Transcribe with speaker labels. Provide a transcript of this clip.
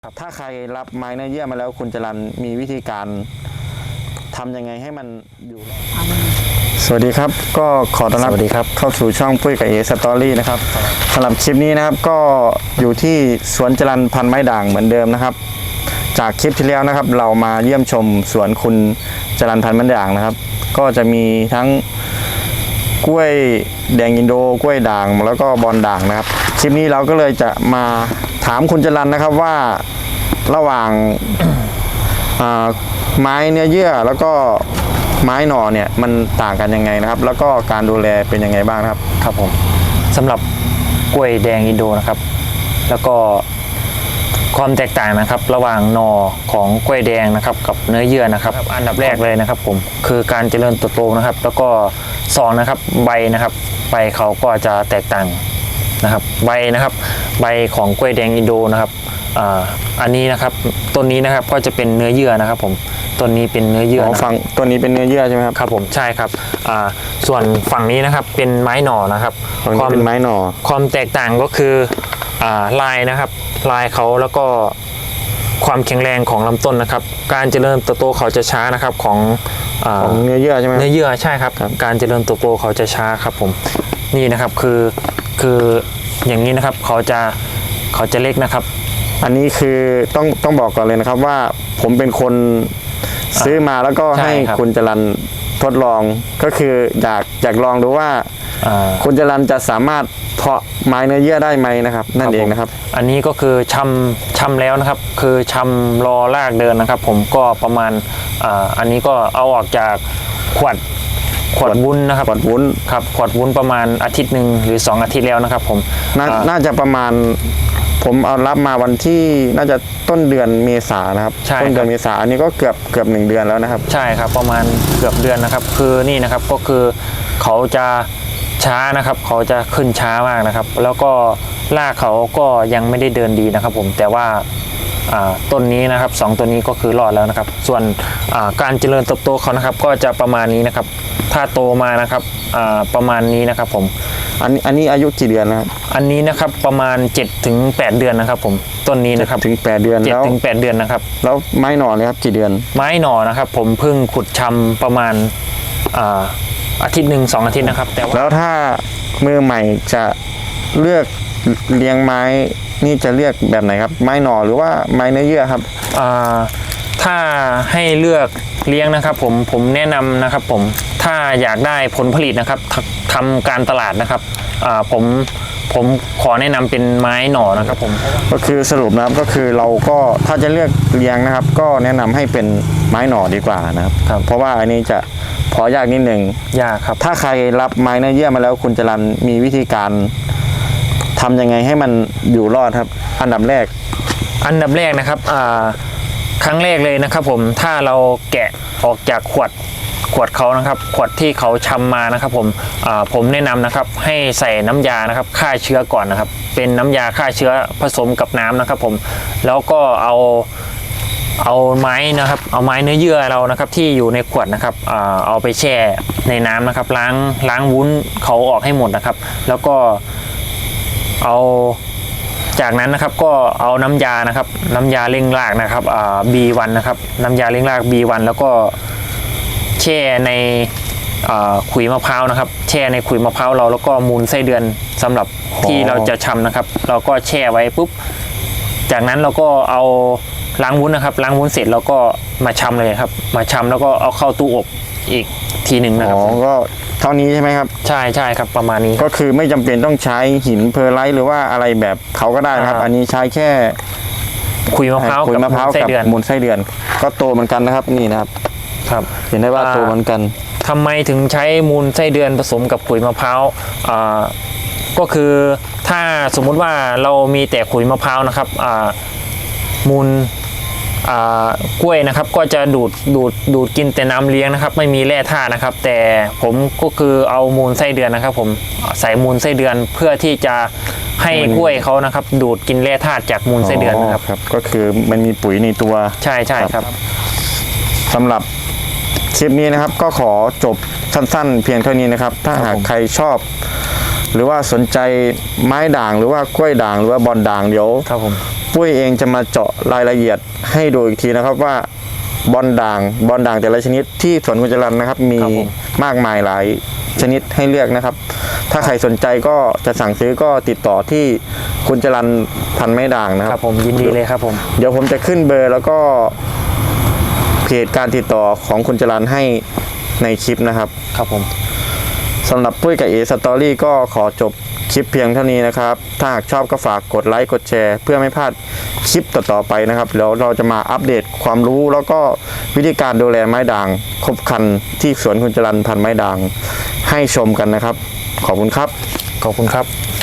Speaker 1: ถ้าใครรับไม้เนื้อเยื่อมาแล้วคุณจรัญมีวิธีการทำยังไงให้มันอยู่รอดสวัสดีครับก็ขอต้อนรับเข้าสู่ช่องปุ้ยกับเอสตอรี่นะครับสำหรับคลิปนี้นะครับก็อยู่ที่สวนจรัญพันธุ์ไม้ด่างเหมือนเดิมนะครับจากคลิปที่แล้วนะครับเรามาเยี่ยมชมสวนคุณจรัญพันธุ์ไม้ด่างนะครับก็จะมีทั้งกล้วยแดงอินโดกล้วยด่างแล้วก็บอนด่างนะครับคลิปนี้เราก็เลยจะมาถามคุณจรัญนะครับว่าระหว่างไม้เนื้อเยื่อแล้วก็ไม้หน่อเนี่ยมันต่างกันยังไงนะครับแล้วก็การดูแลเป็นยังไงบ้างครับ
Speaker 2: ครับผมสำหรับกล้วยแดงอินโดนะครับแล้วก็ความแตกต่างนะครับระหว่างหน่อของกล้วยแดงนะครับกับเนื้อเยื่อนะครับอันดับแรกเลยนะครับผมคือการเจริญเติบโตนะครับแล้วก็สองนะครับใบนะครับใบเขาก็จะแตกต่างนะครับใบนะครับใบของกล้วยแดงอินโดนะครับอันนี้นะครับต้นนี้นะครับก็จะเป็นเนื้อเยื่อนะครับผมต้นนี้เป็นเนื้อเยื่อ
Speaker 1: ฝั่งต้นนี้เป็นเนื้อเยื่อใช่ไหมครับ
Speaker 2: ครับผมใช่ครับส่วนฝั่งนี้นะครับเป็นไม้หน่อนะครับ
Speaker 1: ความเป็นไม้หน่อ
Speaker 2: ความแตกต่างก็คือลายนะครับลายเขาแล้วก็ความแข็งแรงของลำต้นนะครับการเจริญเติบโตเขาจะช้านะครับของ
Speaker 1: เนื้อเยื่อใช่ไหม
Speaker 2: เนื้อเยื่อใช่ครับการเจริญเติบโตเขาจะช้าครับผมนี่นะครับคืออย่างนี้นะครับเขาจะเล็กนะครับ
Speaker 1: อันนี้คือต้องบอกก่อนเลยนะครับว่าผมเป็นคนซื้อมาแล้วก็ให้คุณจรัญทดลองก็คืออยากลองดูว่าคุณจรัญจะสามารถเพาะไม้เนื้อเยื่อได้ไหมนะครับนั่นเองนะครับ
Speaker 2: อันนี้ก็คือชำแล้วนะครับคือชำรอรากเดินนะครับผมก็ประมาณอันนี้ก็เอาออกจากขวดวุ้นนะครับ
Speaker 1: ขวดวุ้น
Speaker 2: ครับขวดวุ้นประมาณอาทิตย์หนึ่งหรือ2 อาทิตย์แล้วนะครับผม
Speaker 1: น่าจะประมาณผมเอารับมาวันที่น่าจะต้นเดือนเมษายนนะครับต้นเดือนเมษายนอันนี้ก็เกือบ1 เดือนแล้วนะครับ
Speaker 2: ใช่ครับประมาณเกือบเดือนนะครับคือนี่นะครับก็คือเขาจะช้านะครับเขาจะขึ้นช้ามากนะครับแล้วก็รากเขาก็ยังไม่ได้เดินดีนะครับผมแต่ว่าต้นนี้นะครับ2ต้นนี้ก็คือรอดแล้วนะครับส่วนการเจริญเติบโตเขานะครับก็จะประมาณนี้นะครับถ้าโตมานะครับประมาณนี้นะครับผม
Speaker 1: อันนี้อายุกี่เดือนนะครับ
Speaker 2: อันนี้นะครับประมาณ7 ถึง 8 เดือนนะครับผมต้นนี้นะครับ
Speaker 1: 7 ถึง 8 เดือน
Speaker 2: 7 ถึง 8 เดือนนะครับ
Speaker 1: แล้วไม้หน่อเลยครับกี่เดือน
Speaker 2: ไม้หน่อนะครับผมเพิ่งขุดชำประมาณอาทิตย์หนึ่ง2 อาทิตย์นะครับ
Speaker 1: แล้วถ้ามือใหม่จะเลือกเลี้ยงไม้นี่จะเลือกแบบไหนครับไม้หน่อหรือว่าไม้เนื้อเยื่อครับ
Speaker 2: ถ้าให้เลือกเลี้ยงนะครับผมแนะนำนะครับผมถ้าอยากได้ผลผลิตนะครับทำการตลาดนะครับผมขอแนะนำเป็นไม้หน่อนะครับผม
Speaker 1: ก็คือสรุปนะครับก็คือเราก็ถ้าจะเลือกเลี้ยงนะครับก็แนะนำให้เป็นไม้หน่อดีกว่านะครับเพราะว่าอันนี้จะพอยากนิดหนึ่ง
Speaker 2: ยากครับ
Speaker 1: ถ้าใครรับไม้เนื้อเยื่อมาแล้วคุณจรัญมีวิธีการทำยังไงให้มันอยู่รอดครับอันดับแรก
Speaker 2: นะครับครั้งแรกเลยนะครับผมถ้าเราแกะออกจากขวดเขานะครับขวดที่เขาชำมานะครับผมแนะนำนะครับให้ใส่น้ำยานะครับฆ่าเชื้อก่อนนะครับเป็นน้ำยาฆ่าเชื้อผสมกับน้ำนะครับผมแล้วก็เอาไม้นะครับเอาไม้เนื้อเยื่อเรานะครับที่อยู่ในขวดนะครับเอาไปแช่ในน้ำนะครับล้างวุ้นเขาออกให้หมดนะครับแล้วก็เอาจากนั้นนะครับก็เอาน้ำยานะครับน้ำยาเร่งรากนะครับB1 นะครับน้ำยาเร่งราก B1 แล้วก็แช่ในขุยมะพร้าวนะครับแช่ในขุยมะพร้าวเราแล้วก็มูลไส้เดือนสำหรับที่เราจะชำนะครับเราก็แช่ไว้ปุ๊บจากนั้นเราก็เอาล้างวุ้นนะครับล้างวุ้นเสร็จเราก็มาชำเลยครับมาชำแล้วก็เอาเข้าตู้อบอีกทีหนึ่งนะครับ
Speaker 1: ก็เท่านี้ใช่ไหมครับ
Speaker 2: ใช่ครับประมาณนี้
Speaker 1: ก็คือไม่จำเป็นต้องใช้หินเพอร์ไลท์หรือว่าอะไรแบบเขาก็ได้นะครับอันนี้ใช้แค่
Speaker 2: ขุยมะพร้าวกับ
Speaker 1: มูลไส้เดือนก็โตเหมือนกันนะครับนี่นะครับเห็นได้ว่าโตเหมือนกัน
Speaker 2: ทำไมถึงใช้มูลไส้เดือนผสมกับขุยมะพร้าวก็คือถ้าสมมุติว่าเรามีแต่ขุยมะพร้าวนะครับมูลกล้วยนะครับก็จะดูดกินแต่น้ำเลี้ยงนะครับไม่มีแร่ธาตุนะครับแต่ผมก็คือเอามูลไส้เดือนนะครับผมใส่มูลไส้เดือนเพื่อที่จะให้กล้วยเขานะครับดูดกินแร่ธาตุจากมูลไส้เดือนนะครับ
Speaker 1: ก็คือมันมีปุ๋ยในตัว
Speaker 2: ใช่ครับ
Speaker 1: สำหรับคลิปนี้นะครับก็ขอจบสั้นๆเพียงเท่านี้นะครับถ้าหากใครชอบหรือว่าสนใจไม้ด่างหรือว่ากล้วยด่างหรือว่าบอนด่างเดี๋ยวปุ้ยเองจะมาเจาะรายละเอียดให้ดูอีกทีนะครับว่าบอลด่างแต่ละชนิดที่สวนคุณจรัญนะครับมี
Speaker 2: ครับผม
Speaker 1: มากมายหลายชนิดให้เลือกนะครับ ถ้าใครสนใจก็จะสั่งซื้อก็ติดต่อที่คุณจรัญพันไม้ด่างนะค
Speaker 2: ค
Speaker 1: รั
Speaker 2: รับ บผมยินดีเลยครับผม
Speaker 1: เดี๋ยวผมจะขึ้นเบอร์แล้วก็เพจการติดต่อของคุณจรัญให้ในคลิปนะครับ
Speaker 2: ครับผม
Speaker 1: สำหรับปุ้ยกับเอสตอรี่ก็ขอจบคลิปเพียงเท่านี้นะครับถ้าหากชอบก็ฝากกดไลค์กดแชร์เพื่อไม่พลาดคลิปต่อๆไปนะครับแล้วเราจะมาอัปเดตความรู้แล้วก็วิธีการดูแลไม้ด่างครบครันที่สวนคุณจรัญพันไม้ด่างให้ชมกันนะครับขอบคุณครับ
Speaker 2: ขอบคุณครับ